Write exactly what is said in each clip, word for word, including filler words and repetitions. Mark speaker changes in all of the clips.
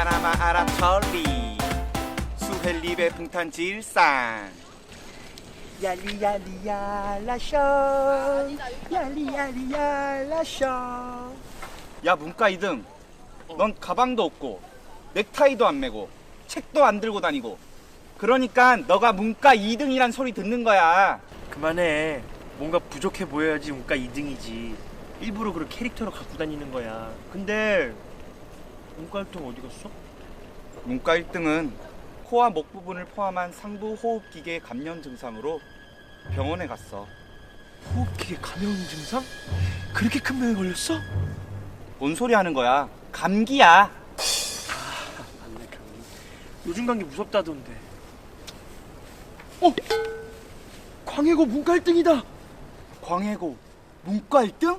Speaker 1: 파나마 아랍철리 수헬리베 풍탄질산 얄리얄리얄라쇼 얄리얄리얄라쇼. 야 문과 이 등, 넌 가방도 없고 넥타이도 안 매고 책도 안 들고 다니고 그러니까 너가 문과 이 등이란 소리 듣는 거야.
Speaker 2: 그만해. 뭔가 부족해 보여야지 문과 이 등이지. 일부러 그런 캐릭터로 갖고 다니는 거야. 근데 문과 일 등 어디 갔어?
Speaker 1: 문과 일 등은 코와 목 부분을 포함한 상부 호흡기계 감염 증상으로 병원에 갔어.
Speaker 2: 호흡기계 감염 증상? 그렇게 큰 병에 걸렸어?
Speaker 1: 뭔 소리 하는 거야? 감기야.
Speaker 2: 아, 맞네, 감기. 요즘 감기 무섭다던데. 어? 광해고 문과 일 등이다.
Speaker 1: 광해고 문과 일 등?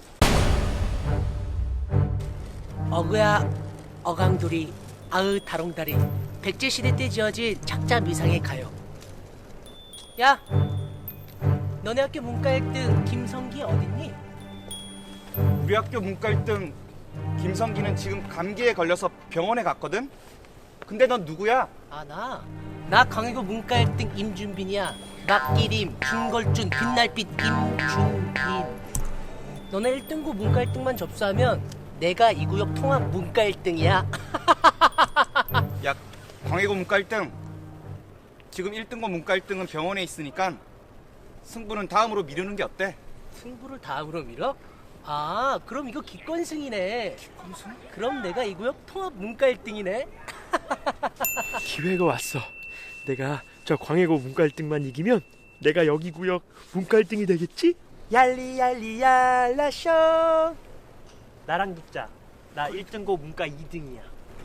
Speaker 3: 어그야 어강돌이 아으 다롱다리 백제시대 때 지어진 작자 미상의 가요. 야, 너네 학교 문과 일 등 김성기 어딨니?
Speaker 1: 우리 학교 문과 일 등 김성기는 지금 감기에 걸려서 병원에 갔거든? 근데 넌 누구야?
Speaker 3: 아, 나? 나 강해고 문과 일 등 임준빈이야. 낙기림, 김걸준, 빛날빛 임준빈. 너네 일 등고 문과 일 등만 접수하면 내가 이 구역 통합 문과 일 등이야.
Speaker 1: 야, 광해고 문과 일 등. 지금 일 등과 문과 일 등은 병원에 있으니까 승부는 다음으로 미루는 게 어때?
Speaker 3: 승부를 다음으로 밀어? 아, 그럼 이거 기권승이네.
Speaker 1: 기권승?
Speaker 3: 그럼 내가 이 구역 통합 문과 일 등이네.
Speaker 2: 기회가 왔어. 내가 저 광해고 문과 일 등만 이기면 내가 여기 구역 문과 일 등이 되겠지? 얄리얄리얄라쇼. 나랑 붙자. 나 일 등고 문과 이 등이야.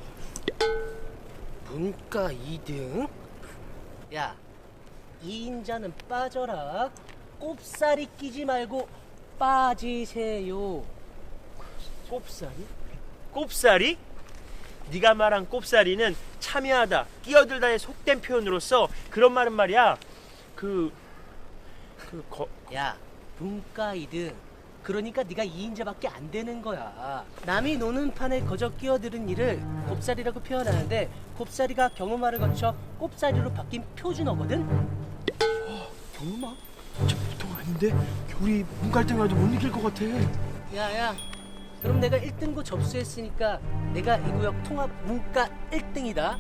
Speaker 3: 문과 이 등? 야, 이 인자는 빠져라. 꼽사리 끼지 말고 빠지세요.
Speaker 2: 꼽사리? 꼽사리? 네가 말한 꼽사리는 참여하다, 끼어들다의 속된 표현으로서 그런 말은 말이야. 그... 그... 거...
Speaker 3: 야, 문과 이 등. 그러니까 네가 이 인자밖에 안 되는 거야. 남이 노는 판에 거저 끼어드는 일을 곱사리라고 표현하는데 곱사리가 경음화를 거쳐 꼽사리로 바뀐 표준어거든?
Speaker 2: 경음아? 진짜 보통 아닌데? 우리 문과 일 등 가도 못 이길 것 같아.
Speaker 3: 야야, 그럼 내가 일 등고 접수했으니까 내가 이 구역 통합 문과 일 등이다.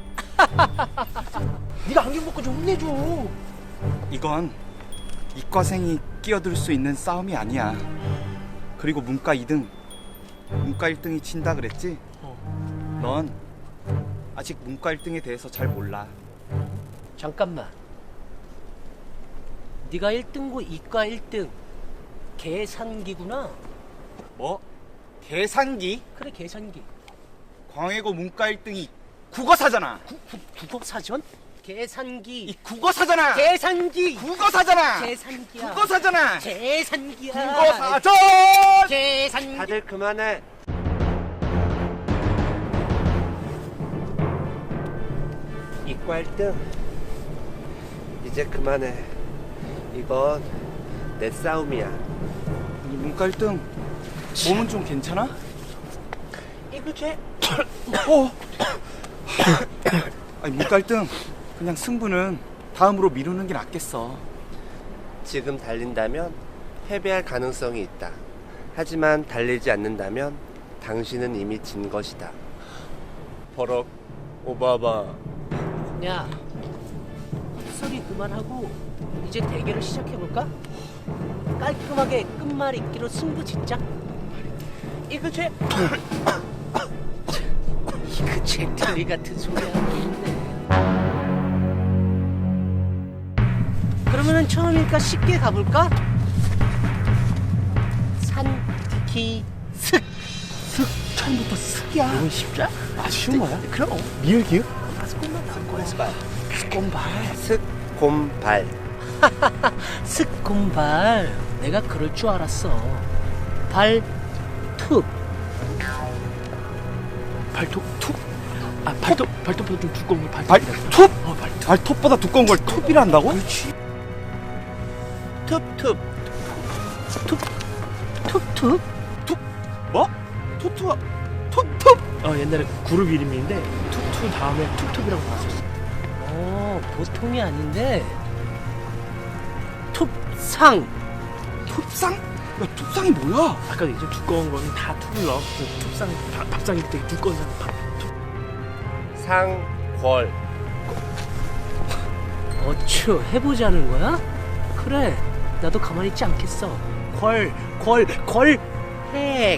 Speaker 2: 네가 안경 벗고 좀 혼내줘.
Speaker 1: 이건 이과생이 끼어들 수 있는 싸움이 아니야. 그리고 문과 이 등, 문과 일 등이 진다 그랬지?
Speaker 2: 어.
Speaker 1: 넌 아직 문과 일 등에 대해서 잘 몰라.
Speaker 3: 잠깐만. 네가 일 등고 이과 일 등 계산기구나.
Speaker 1: 뭐? 계산기?
Speaker 3: 그래, 계산기.
Speaker 1: 광해고 문과 일 등이 국어사잖아.
Speaker 3: 구, 구, 국어사전? 계산기.
Speaker 1: 이 국어사잖아.
Speaker 3: 계산기.
Speaker 1: 국어사잖아.
Speaker 3: 계산기야.
Speaker 1: 국어사잖아.
Speaker 3: 계산기야.
Speaker 1: 국어사전.
Speaker 3: 계산기.
Speaker 2: 다들 그만해.
Speaker 4: 이과 일 등 이제 그만해. 이건 내 싸움이야.
Speaker 1: 이 문과 일 등 몸은 좀 괜찮아?
Speaker 3: 이거 쟤.
Speaker 1: 어. 아니 문과 일 등 그냥 승부는 다음으로 미루는 게 낫겠어.
Speaker 4: 지금 달린다면 패배할 가능성이 있다. 하지만 달리지 않는다면 당신은 이미 진 것이다. 버럭 오바마.
Speaker 3: 야, 헛소리 그만하고 이제 대결을 시작해볼까? 깔끔하게 끝말 잇기로 승부 짓자. 이거 쟤. 이거 쟤 들리 같은 소리 하고 있네. 그러면은 처음이니까 쉽게 가볼까? 산, 기, 슥.
Speaker 2: 슥, 처음부터 슥이야. 이건 쉽자? 아, 쉬운 거야? 그럼. 미을 기읍?
Speaker 3: 스콘발.
Speaker 4: 스콘발.
Speaker 3: 스콘발. 내가 그럴 줄 알았어. 발톱.
Speaker 2: 발톱 툭? 아, 발톱, 발톱보다 좀 두꺼운 걸 발톱.
Speaker 1: 발톱?
Speaker 2: 어, 발톱.
Speaker 1: 발톱보다 두꺼운 걸 톱이라 한다고?
Speaker 2: 그렇지.
Speaker 3: 툭툭. 툭. 툭툭.
Speaker 1: 뭐? 토투와 톱톱?
Speaker 2: 어, 옛날에 그룹 이름인데
Speaker 1: 톱톱?
Speaker 2: 투 다음에 툭툭이라고 나왔었어.
Speaker 3: 어, 보통이 아닌데. 톱상.
Speaker 1: 톱상? 야, 톱상이 뭐야?
Speaker 2: 아까 이제 두꺼운 거는 다 투를 넣어. 그 톱상, 밥- 밥상이 되게 두꺼운 상. 밥, 톱.
Speaker 4: 상궐.
Speaker 3: 어쭈, 해보자는 거야? 그래, 나도 가만히 있지 않겠어. 걸, 걸, 걸, 핵.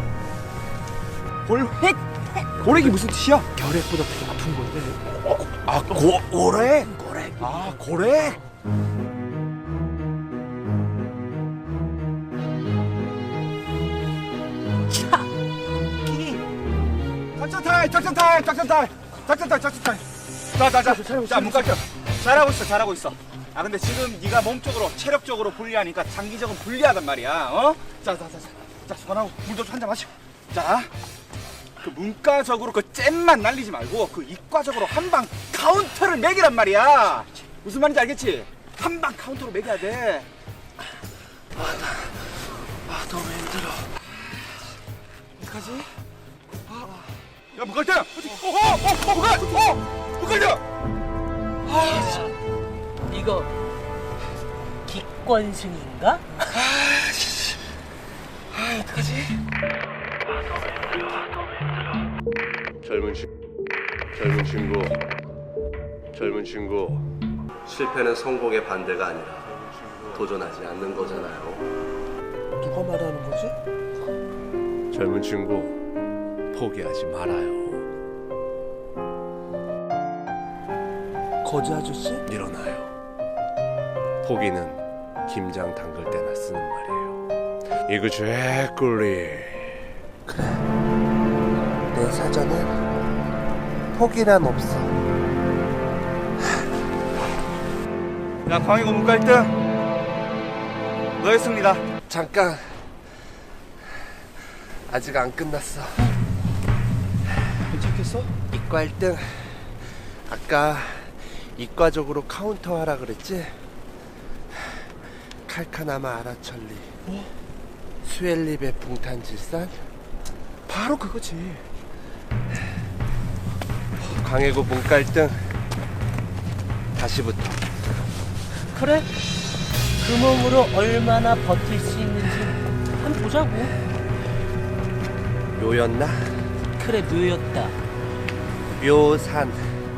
Speaker 1: 골획? 골획이 무슨 뜻이야?
Speaker 2: 결핵보다 되게 아픈 건데.
Speaker 1: 아, 고, 고래? 고래. 아, 고래?
Speaker 3: 차, 끼.
Speaker 1: 작전 타임, 작전 타임, 작전 타임, 작전 타임, 작전 타임. 자, 자, 자, 자, 문갈등. 잘하고 있어, 잘하고 있어. 아, 근데 지금 네가 몸적으로, 체력적으로 불리하니까 장기적으로 불리하단 말이야. 어? 자, 자, 자, 자, 자, 수건하고 물도 한 잔 마시고. 자, 그 문과적으로 그 잼만 날리지 말고 그 이과적으로 한 방 카운터를 매기란 말이야. 무슨 말인지 알겠지? 한 방 카운터로 매겨야 돼.
Speaker 2: 아, 너무 힘들어.
Speaker 1: 어떡하지? 아, 야, 문갈등! 어, 어, 어, 문갈, 어, 문갈등!
Speaker 3: 이거 기권승인가?
Speaker 4: 젊은 친 젊은 친구. 젊은 친구. 실패는 성공의 반대가 아니라 도전하지 않는 거잖아요.
Speaker 2: 누가 말하는 거지?
Speaker 4: 젊은 친구, 포기하지 말아요.
Speaker 2: 거지 아저씨?
Speaker 4: 일어나요. 포기는 김장 담글 때나 쓰는 말이에요. 이거 죄꿀리.
Speaker 5: 그래. 내 사전엔 포기란 없어.
Speaker 1: 야, 광희고 문갈등. 너의 승리다.
Speaker 5: 잠깐. 아직 안 끝났어.
Speaker 2: 괜찮겠어?
Speaker 5: 이과 일 등. 아까 이과적으로 카운터 하라 그랬지? 칼카나마 아라철리.
Speaker 2: 뭐?
Speaker 5: 수엘립의 붕탄질산.
Speaker 1: 바로 그거지.
Speaker 5: 광해고 문과 일 등. 다시부터.
Speaker 3: 그래, 그 몸으로 얼마나 버틸 수 있는지 한번 보자고.
Speaker 5: 묘였나?
Speaker 3: 그래, 묘였다.
Speaker 5: 묘산.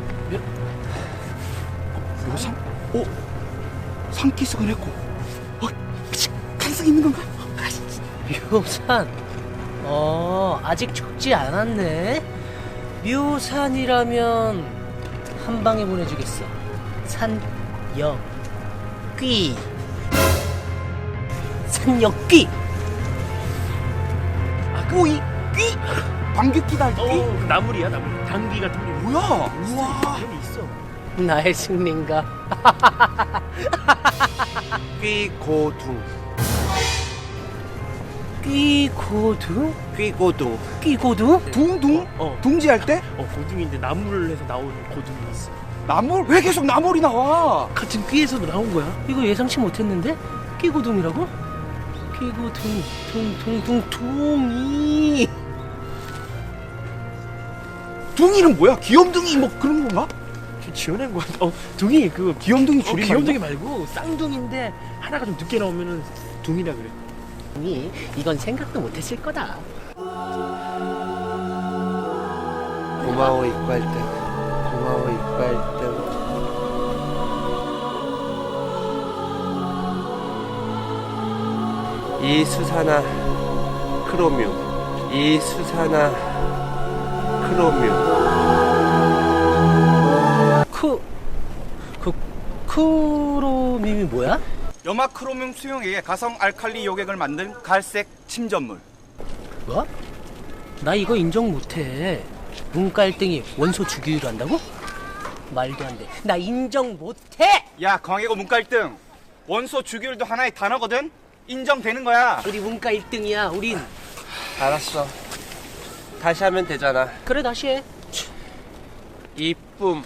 Speaker 1: 묘상? 오, 상기승을 했고. 어, 가능성 있는 건가?
Speaker 3: 묘산. 어, 아직 죽지 않았네. 묘산이라면 한 방에 보내주겠어. 산역 귀. 산역 귀.
Speaker 2: 아, 그,
Speaker 1: 꼬이, 귀, 방귀끼다,
Speaker 2: 어,
Speaker 1: 귀.
Speaker 2: 그 나물이야, 나물. 당귀 같은 게.
Speaker 1: 뭐야? 우와.
Speaker 2: 그런 게 있어.
Speaker 3: 나의 승리인가?
Speaker 5: 귀고둥.
Speaker 3: 귀고두?
Speaker 5: 귀고둥.
Speaker 3: 귀고두?
Speaker 1: 둥둥?
Speaker 2: 어,
Speaker 1: 둥지할 때?
Speaker 2: 어, 고등인데 나물을 해서 나온 고등이 있어.
Speaker 1: 나물? 왜 계속 나물이 나와?
Speaker 2: 같은 귀에서도 나온 거야.
Speaker 3: 이거 예상치 못했는데? 끼고둥이라고? 끼고둥, 둥, 둥, 둥, 둥이.
Speaker 1: 둥이는 뭐야? 귀염둥이 뭐 그런 건가?
Speaker 2: 지- 지어낸 거야. 어, 둥이 그거
Speaker 1: 귀염둥이
Speaker 2: 어,
Speaker 1: 줄임말.
Speaker 2: 귀염둥이 말고 쌍둥이인데 하나가 좀 늦게 나오면은 둥이라 그래.
Speaker 3: 둥이, 이건 생각도 못했을 거다.
Speaker 5: 고마워 이과 일 등. 고마워 이과 일 등. 이수산화 크로뮴. 이수산화 크로뮴.
Speaker 3: 크, 그, 크로밈이 뭐야?
Speaker 1: 염화크로뮴 수용액에 가성 알칼리 요객을 만든 갈색 침전물.
Speaker 3: 뭐? 나 이거 인정 못해. 문과 일 등이 원소 주기율 한다고? 말도 안 돼. 나 인정 못해!
Speaker 1: 야, 광해고 문과 일 등. 원소 주기율도 하나의 단어거든? 인정되는 거야.
Speaker 3: 우리 문과 일 등이야, 우린.
Speaker 5: 알았어. 다시 하면 되잖아.
Speaker 3: 그래, 다시 해.
Speaker 5: 이쁨.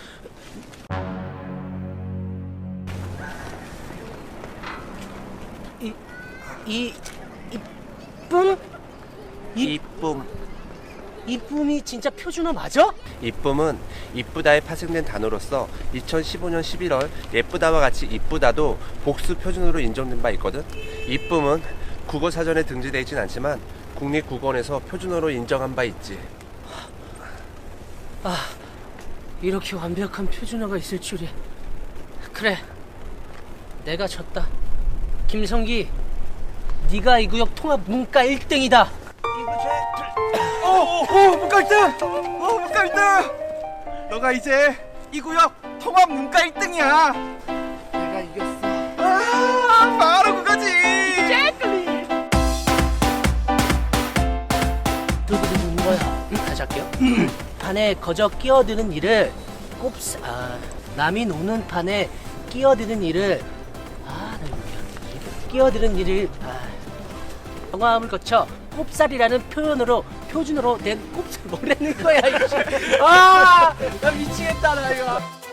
Speaker 3: 이, 이, 이쁨? 이,
Speaker 5: 이쁨.
Speaker 3: 이쁨이 진짜 표준어 맞아?
Speaker 5: 이쁨은 이쁘다에 파생된 단어로서 이천십오 년 십일월 예쁘다와 같이 이쁘다도 복수 표준어로 인정된 바 있거든. 이쁨은 국어 사전에 등재되어 있진 않지만 국립국어원에서 표준어로 인정한 바 있지.
Speaker 3: 아, 이렇게 완벽한 표준어가 있을 줄이야. 그래, 내가 졌다. 김성기, 네가 이 구역 통합 문과 일 등이다.
Speaker 1: 오, 오, 문과 일 등! 오, 문과 일 등! 너가 이제 이 구역 통합 문과 일 등이야.
Speaker 3: 내가 이겼어.
Speaker 1: 아, 바로 그거지.
Speaker 3: 두두두두 거야. 응, 다시 할게요. 판에 거저 끼어드는 일을 꼽사. 아, 남이 노는 판에 끼어드는 일을. 아, 나 이거 끼어드는 일을. 아, 경험을 거쳐 꼽살이라는 표현으로 표준어로 낸 꼽살 뭐라는 거야 이씨. 아, 나 미치겠다 나 이거.